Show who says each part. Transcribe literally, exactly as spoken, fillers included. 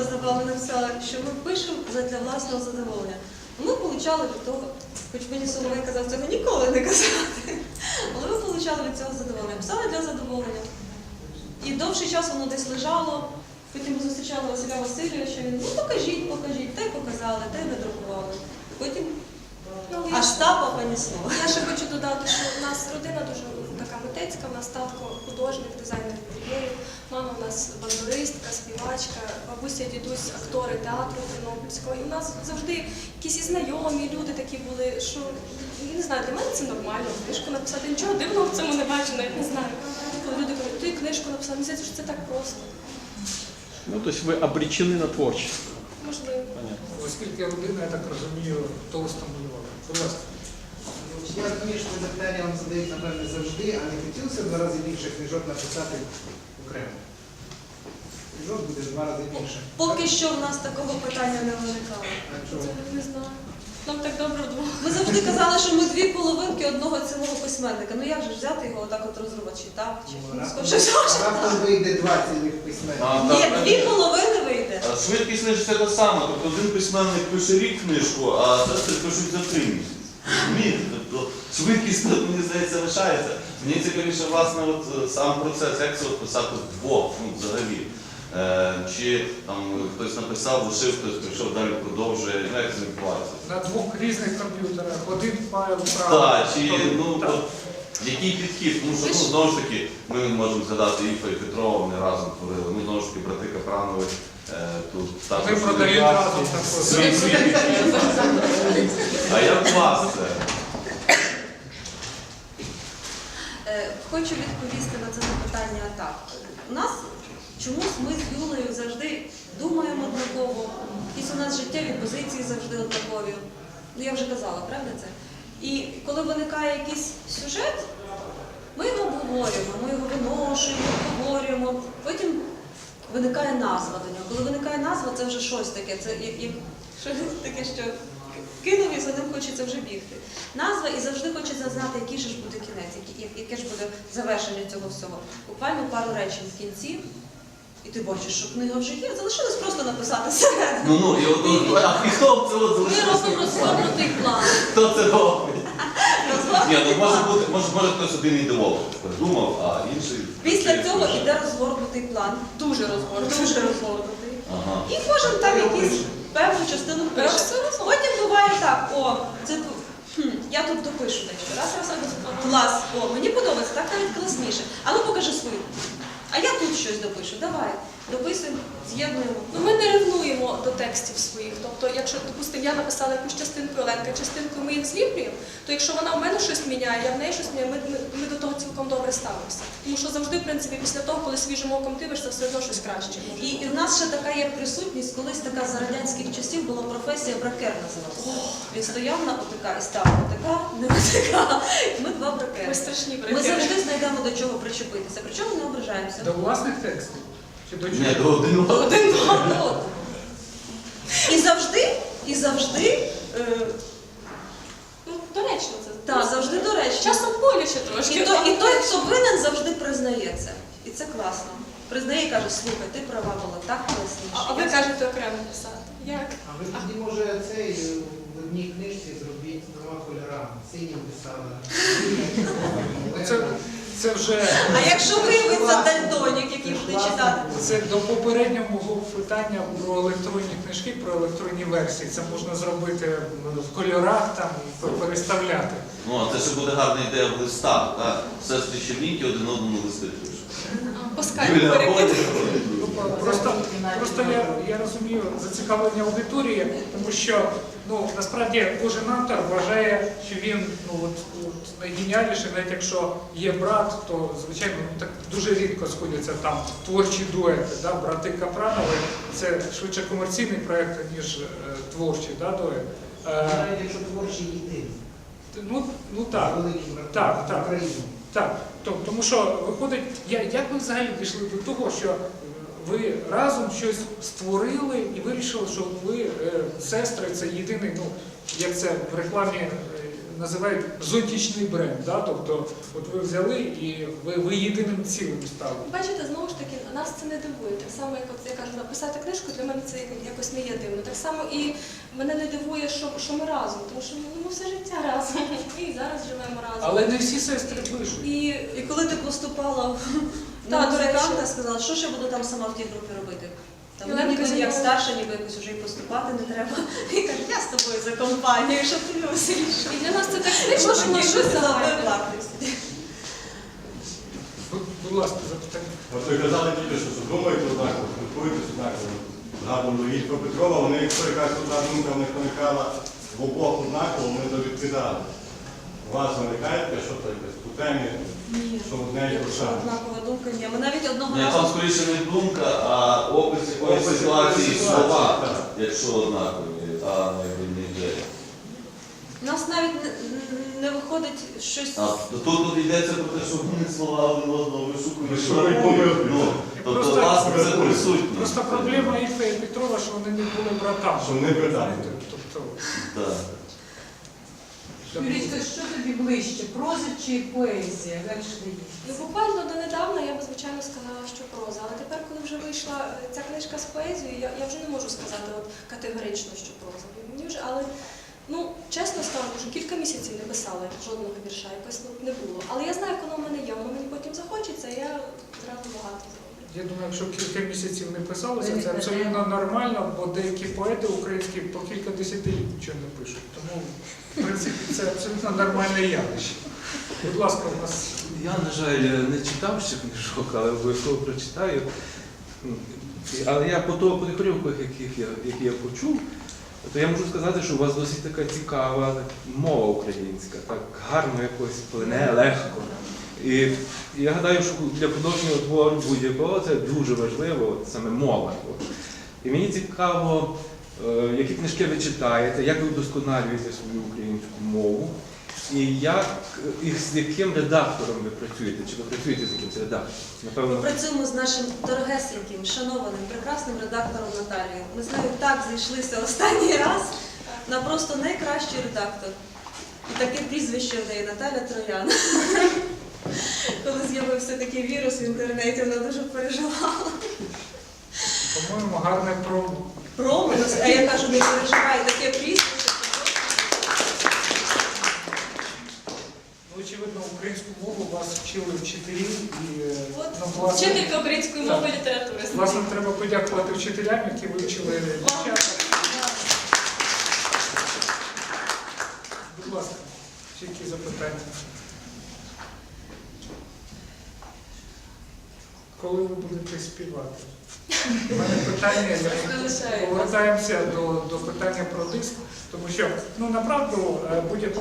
Speaker 1: одна знавала написала, що ми пишемо для власного задоволення. Ми отримали від того, хоч мені Соловей казав цього ніколи не казати, але ми отримали від цього задоволення. Писали для задоволення. І довший час воно десь лежало, потім ми зустрічали Василя Васильовича, він, ну покажіть, покажіть, та й показали, та й надрукували. Потім аж тапа понісло.
Speaker 2: Я ще хочу додати, що у нас родина дуже така митецька, у нас татко художник, дизайнер інтер'єрів, мама у нас бандуристка, співачка, бабуся, дідусь, актори театру Тернопільського. І у нас завжди якісь і знайомі люди такі були, що, я не знаю, для мене це нормально, книжку написати. Нічого дивного в цьому не бачу, навіть не знаю. Коли люди кажуть, ти книжку написав, мені здається, що це так просто.
Speaker 3: Ну, то есть вы обречены на творчество.
Speaker 2: Можливо.
Speaker 4: Оскільки родина, я так розумію, толсто малювала. Будь ласка.
Speaker 5: Я розумію, що це питання вам задають, напевне, завжди, а не хотілося в два рази більше книжок написати окремо? Книжок буде в два рази більше.
Speaker 1: Поки що в нас такого питання не виникало.
Speaker 5: А чого?
Speaker 2: Це не знаю. Нам так добре вдвох.
Speaker 1: Ми завжди казали, що ми дві половинки одного цілого письменника. Ну як же ж взяти його отак от розрубати, чи так, чи
Speaker 5: Ну,
Speaker 1: ну,
Speaker 5: раптом-
Speaker 1: скажи, що ж
Speaker 5: Раптом
Speaker 1: так?
Speaker 5: вийде два цілих письменника.
Speaker 6: А,
Speaker 1: Ні,
Speaker 6: так,
Speaker 1: дві
Speaker 6: так.
Speaker 1: половини вийде.
Speaker 6: А Швидкість книжки це те саме. Тобто один письменник пише рік книжку, а сестри пишуть за три місяці. Розумієте? Тобто швидкість, мені здається, лишається. Мені цікавіше, власне, от е, сам процес, як це от писати вдвох, ну, взагалі. Е, чи там хтось написав, лишив, хтось прийшов, далі продовжує, ну, як це відбувається?
Speaker 4: На двох різних комп'ютерах. Один файл правий.
Speaker 6: Так, чи,
Speaker 4: тобто,
Speaker 6: ну,
Speaker 4: так.
Speaker 6: от, який підхід? Тому що, ну, знову ж таки, ми можемо згадати Іфа і Петрова, вони разом творили. Ну, знову ж таки, брати Капранови е, тут також.
Speaker 4: Вони продають разом також.
Speaker 6: Свій свій підхід. А як у вас це?
Speaker 1: Е, Хочу відповісти на це запитання так. У нас чомусь ми з Юлею завжди думаємо однаково, якісь у нас життєві позиції завжди однакові. Ну я вже казала, правда це? І коли виникає якийсь сюжет, ми його обговорюємо, ми його виношуємо, обговорюємо. Потім виникає назва до нього. Коли виникає назва, це вже щось таке. Це як, як щось таке, що кинув і за ним хочеться вже бігти. Назва і завжди хочеться знати, який же ж буде кінець, який- яке ж буде завершення цього всього. Буквально пару речень в кінці, і ти бачиш, що книга вже є. Залишилось просто написати середину.
Speaker 6: Ну, ну, і от, от, а хто це от
Speaker 1: Ми
Speaker 6: залишився?
Speaker 1: робимо розгорнутий план.
Speaker 6: Хто це робить? Ні, ну може
Speaker 1: Розгорнутий
Speaker 6: бути, може, може хтось один ідеолог придумав, а інший...
Speaker 1: Після цього йде розгорнутий план. Дуже розгорнутий. Дуже розгорнутий.
Speaker 6: Ага.
Speaker 1: І кожен там якийсь певну частину пише. Потім буває так, о, це хм, я тут допишу дещо. Раз, раз, раз, клас, о, мені подобається, так навіть класніше. А ну покажи свою. А я тут щось допишу. Давай, дописуємо, з'єднуємо.
Speaker 2: Ну, ми не ревнуємо до текстів своїх. Тобто, якщо, допустимо, я написала якусь частинку, Оленка частинку, ми їх зліплюємо, то якщо вона в мене щось міняє, я в неї щось міняю, ми, ми, ми до того цілком добре ставимося. Тому що завжди, в принципі, після того, коли свіжим оком дивишся, все одно щось краще.
Speaker 1: І, і в нас ще така є присутність, колись така за радянських часів була професія бракер називалася. Він стояв на ОТК і став ОТК, не ОТК. Ми два
Speaker 2: Ми
Speaker 1: бракери.
Speaker 2: страшні
Speaker 1: Ми
Speaker 2: брехи.
Speaker 1: завжди знайдемо до чого причепитися, причому не ображаємося.
Speaker 4: До власних текстів? Чи до
Speaker 6: Ні,
Speaker 4: чого?
Speaker 6: до один одного.
Speaker 1: Один до одного. І завжди, і завжди, е,
Speaker 2: Ну, доречно це.
Speaker 1: так, завжди доречно.
Speaker 2: Часом боляче трошки.
Speaker 1: І, то, і той, хто винен, завжди признає це. І це класно. Признає і каже, слухай, ти права була, так класніше.
Speaker 2: А, а ви
Speaker 1: Я-
Speaker 2: кажете окремо писати. Як?
Speaker 5: А ви тоді, може, цей е, в одній книжці зробіть двома кольорами. Синім писали.
Speaker 4: Це, це вже...
Speaker 1: А якщо виявиться дальтонік, який буде читати?
Speaker 4: Це до попереднього мого питання про електронні книжки, про електронні версії. Це можна зробити в кольорах там, переставляти.
Speaker 6: Ну, а це ще буде гарна ідея в листах, так? Сестри Чернінки один одному листи пишуть.
Speaker 2: По скайпу
Speaker 6: Юлія
Speaker 2: перекидати.
Speaker 6: ходить.
Speaker 4: Просто, просто я, я розумію зацікавлення аудиторії, тому що ну, насправді кожен автор вважає, що він ну, от, от, найгеніальніший, навіть якщо є брат, то звичайно ну, так дуже рідко сходяться там творчі дуети. Да? Брати Капранови це швидше комерційний проєкт, ніж е, творчий да, дует. Е,
Speaker 5: Навіть якщо творчий єдиний.
Speaker 4: ну, ну так.
Speaker 5: Великий брат
Speaker 4: Так, так.
Speaker 5: України.
Speaker 4: Так, то- тому що виходить, я, як ви взагалі дійшли до того, що ви разом щось створили і вирішили, що ви, е, сестри, це єдиний, ну, як це в рекламі е, називають зонтичний бренд. Да? Тобто, от ви взяли і ви, ви єдиним цілим стали.
Speaker 2: Бачите, знову ж таки, нас це не дивує. Так само, як от я кажу, написати книжку, для мене це якось не є дивно. Так само і мене не дивує, що, що ми разом, тому що ну, ми все життя разом. Ми і зараз живемо разом.
Speaker 4: Але не всі сестри пишуть.
Speaker 2: І
Speaker 1: І коли ти поступала в-
Speaker 2: Та,
Speaker 1: на
Speaker 2: до речі.
Speaker 1: музиканта, сказала, що ж я буду там сама в тій групі робити? Там
Speaker 2: Єлена
Speaker 1: ніби як
Speaker 2: Казимова.
Speaker 1: старша, ніби якось вже і поступати не треба. І каже, я з тобою за компанію, щоб тобі веселіше.
Speaker 2: І для нас це так смішно, що ми щось загальне.
Speaker 4: Будь, будь ласка, запитання.
Speaker 7: От ви казали тільки, що що думаєте однаково, спілкуєтесь однаково. Згадували Ілько Петрова, вони, якщо якась одна думка в них виникала в обох однаково, вони то відкидали. У вас виникає таке, що то якесь у темі,
Speaker 1: Ні,
Speaker 7: що одне і те
Speaker 1: якщо
Speaker 7: саме.
Speaker 1: однакова думка, ні. Ми навіть одного
Speaker 6: Ні, там
Speaker 1: разу
Speaker 6: скоріше не думка, а опис якоїсь
Speaker 7: Опис
Speaker 6: ситуації,
Speaker 7: якоїсь
Speaker 6: слова,
Speaker 7: ситуації, так.
Speaker 6: якщо однакові, а не ідея.
Speaker 1: у нас навіть не, не виходить щось.
Speaker 6: А тут тут йдеться про те, що вони слова один одного вишукують.
Speaker 7: Вишукують помилки.
Speaker 6: Ну, тобто,
Speaker 4: Просто-
Speaker 6: власне, це присутність.
Speaker 4: Просто проблема Ільфа і Петрова, що вони не були братами.
Speaker 7: Що вони братами.
Speaker 4: Знаєте, Тобто,
Speaker 6: Так.
Speaker 8: Юрічка, що тобі ближче, проза чи поезія? Далі дає.
Speaker 2: Ну, буквально донедавна я б, звичайно, сказала, що проза. Але тепер, коли вже вийшла е, ця книжка з поезією, я, я вже не можу сказати от, категорично, що проза. Мені вже, але, ну, чесно скажу, що кілька місяців не писала жодного вірша, якось ну, не було. Але я знаю, як воно в мене є, воно мені потім захочеться, і я зразу багато зроблю.
Speaker 4: я думаю, якщо кілька місяців не писалося, це абсолютно нормально, бо деякі поети українські по кілька десятиліть нічого не пишуть. Тому, в принципі, це абсолютно нормальне явище. Будь ласка, у нас
Speaker 9: Я, на жаль, не читав ще книжок, але обов'язково прочитаю. Але я по того, по тих уривках, яких я, які я почув, то я можу сказати, що у вас досить така цікава мова українська, так гарно якось плине, легко. І я гадаю, що для художнього твору будь-якого це дуже важливо, от саме мова. От. І мені цікаво, е, які книжки ви читаєте, як ви вдосконалюєте свою українську мову, і як, і з яким редактором ви працюєте, чи ви працюєте з якимось редактором?
Speaker 1: Ми
Speaker 9: Напевно,
Speaker 1: працюємо з нашим дорогесеньким, шанованим, прекрасним редактором Наталією. Ми з нею так зійшлися останній раз на просто найкращий редактор. І таке прізвище в неї Наталя Троян. Коли з'явився такий вірус в інтернеті, вона дуже переживала.
Speaker 4: по-моєму, гарне про
Speaker 1: Проминус, а я кажу, не переживай, таке прізвище.
Speaker 4: Ну, очевидно, українську мову вас вчили вчителі і е,
Speaker 2: От,
Speaker 4: ну, власне,
Speaker 2: вчителька української мови і літератури.
Speaker 4: власне, треба подякувати вчителям, які вивчили дівчата. Будь ласка, чи які запитання? Коли ви будете співати? У мене питання,
Speaker 2: Залишаю.
Speaker 4: повертаємося до, до питання про диск, тому що, ну, направду, е, будь-яка